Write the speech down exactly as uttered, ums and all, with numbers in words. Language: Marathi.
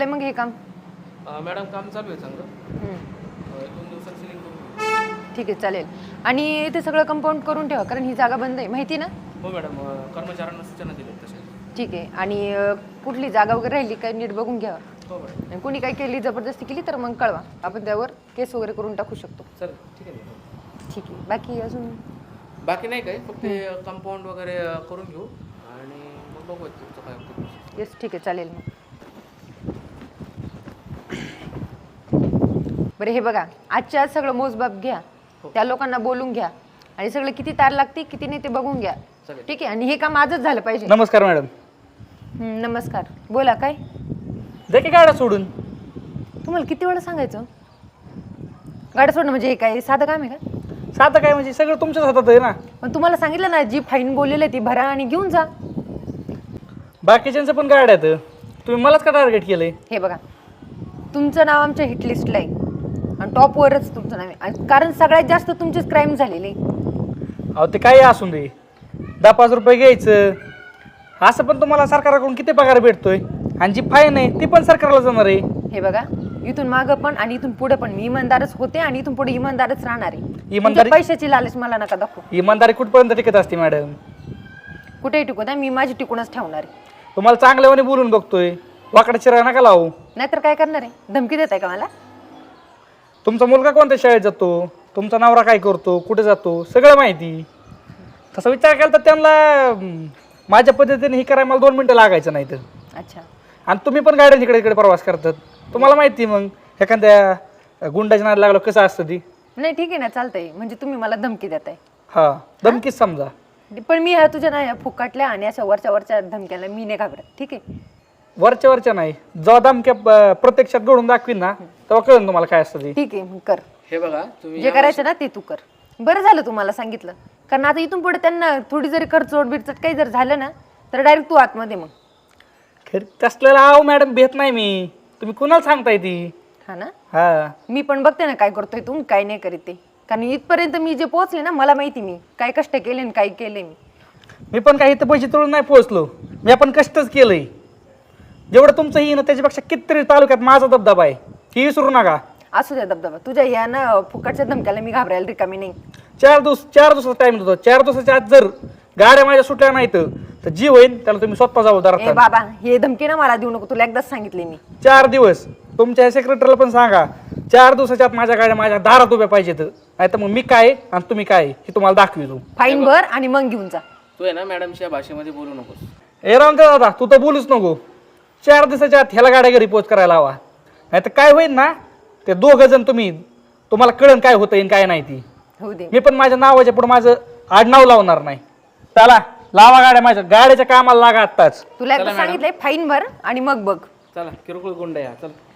चाललंय मग हे काम? मॅडम काम चालू आहे चांगलं. दोन दिवसात सिलिंग करून. ठीक आहे चालेल. आणि ते सगळं कंपाऊंड करून ठेवा कारण ही जागा बंद आहे माहिती ना? हो मॅडम, कर्मचाऱ्यांना सूचना दिल्या तशा. ठीक आहे. आणि कुठली जागा वगैरे राहिली काय नीट बघून घ्या. हो मॅडम. आणि कोणी काय केली जबरदस्ती केली तर मग कळवा, आपण त्यावर केस वगैरे करून टाकू शकतो. चल ठीक आहे मॅडम. ठीक आहे. बाकी अजून बाकी नाही काय, फक्त कंपाऊंड वगैरे करून घेऊ आणि मग बघू तुमचं काय होतं. येस ठीक आहे चालेल. मग बरं हे बघा, आजच्या आज सगळं मोजबाप घ्या, त्या लोकांना बोलून घ्या आणि सगळं किती तार लागते किती नाही ते बघून घ्या. ठीक आहे. आणि हे काम आजच झालं पाहिजे. नमस्कार मॅडम. नमस्कार. बोला. काय दे की गाड्या सोडून. तुम्हाला किती वेळा सांगायचं गाड्या सोडणं म्हणजे हे काय साधं काम आहे का? साधं काय म्हणजे सगळं तुमच्याच हातात आहे ना. पण तुम्हाला सांगितलं ना, जी फाईन बोललेलं आहे ती भरा आणि घेऊन जा. बाकीच्यांचं पण गाड्या आहेत, तुम्ही मलाच का टार्गेट केलंय? हे बघा, तुमचं नाव आमच्या हिट लिस्टला आहे आणि टॉपवरच तुमचं नाव आहे कारण सगळ्यात जास्त तुमचेच क्राईम झालेले. अहो ते काही असून दे, दहा पाच रुपये घ्यायचं असं पण तुम्हाला सरकारकडून किती पगार भेटतोय आणि जी फाईन आहे ती पण सरकारला जाणार आहे. हे बघा, इथून मागं पण आणि इथून पुढे पण मी इमानदारच होते आणि इथून पुढे इमानदारच राहणार आहे. इमानदारी पैशाची लालच मला नका दाखवू. इमानदारी कुठपर्यंत टिकत असते मॅडम? कुठेही टिकू द्या, मी माझी टिकूनच ठेवणार आहे. तुम्हाला चांगल्यावाने बोलून बघतोय, वाकडा चिरा नका लावू. नाहीतर काय करणार आहे? धमकी देताय का मला? तुमचा मुलगा कोणत्या शाळेत जातो, तुमचा नवरा काय करतो, कुठे जातो, सगळं माहिती. तसा विचार केला तर त्यांना माझ्या पद्धतीने ही करायला मला दोन मिनटं लागायचं नाही तर. अच्छा. आणि तुम्ही पण गाड्या इकडे इकडे प्रवास करतात, तुम्हाला माहिती. मग एखाद्या गुंडाच्या नाद लागलो कसं असतं ती. नाही ठीक आहे ना, चालतंय. म्हणजे तुम्ही मला धमकी देताय? हा, धमकीच समजा. पण मी ह्या तुझ्या ना फुकाटल्या आणि अशा वरच्या वरच्या धमक्याला मी नाही घाबरत. ठीक आहे. वरच्या वरच्या नाही, जेव्हा धमक्या प्रत्यक्षात घडून दाखवीन ना तेव्हा कळेल तुम्हाला काय असतं ते. ठीक आहे, मग कर. हे बघा, तुम्ही जे करायचं ना ते तू कर. बरं झालं तुम्हाला सांगितलं, कारण आता इथून पुढे त्यांना थोडी जरी खर्चोड बिरचट काही जर झालं ना तर डायरेक्ट तू आतमध्ये. मग खरं तसलेला आहो मॅडम भेट नाही मी, तुम्ही कुणाला सांगताय ती? हा ना, हा. मी पण बघते ना काय करतोय तू काय नाही करीत ते. कारण इथपर्यंत मी जे पोहोचले ना, मला माहिती मी काय कष्ट केले आणि काय केले. मी मी पण काही इथं पैसे तोडून नाही पोहोचलो, मी आपण कष्टच केलंय. जेवढं तुमचं ही ना त्याच्यापेक्षा कितीतरी तालुक्यात माझा दबदबा आहे, ही विसरू नका. असू द्या दबदबा, तुझ्या या ना फुकटच्या धमक्याला मी घाबरायला रिकामी नाही. चार दिवस चार दिवसाचा टाइम देतो, चार दिवसाच्या आत जर गाड्या माझ्या सुटल्या नाही तर जी होईल त्याला तुम्ही स्वतः जबाबदार ए आहात. बाबा, हे धमकी ना मला देऊ नको, तुला एकदाच सांगितले मी. चार दिवस तुमच्या सेक्रेटरीला पण सांगा, चार दिवसाच्या आत माझ्या गाड्या माझ्या दारात उभ्या पाहिजेत, नाही तर मग मी काय आणि तुम्ही काय हे तुम्हाला दाखवितो. फाईन भर आणि मग घेऊन जा. तू आहे ना मॅडमच्या भाषेमध्ये बोलू नकोस. ए राम दादा, तू तर बोलूच नको. चार दिवसाच्या आत ह्याला गाड्या घरी पोच करायला हवा, नाही तर काय होईल ना, ते दोघं जण तुम्ही तुम्हाला कळण काय होतं काय नाही ती. होऊ दे. मी पण माझ्या नावाच्या पुढे माझं आडनाव लावणार नाही. चला लावा गाड्या, माझ्या गाड्याच्या कामाला लागा आत्ताच. तुला एकदा सांगितलंय फाईन भर आणि मग बघ. चला, किरकोळ गुंड या. चल.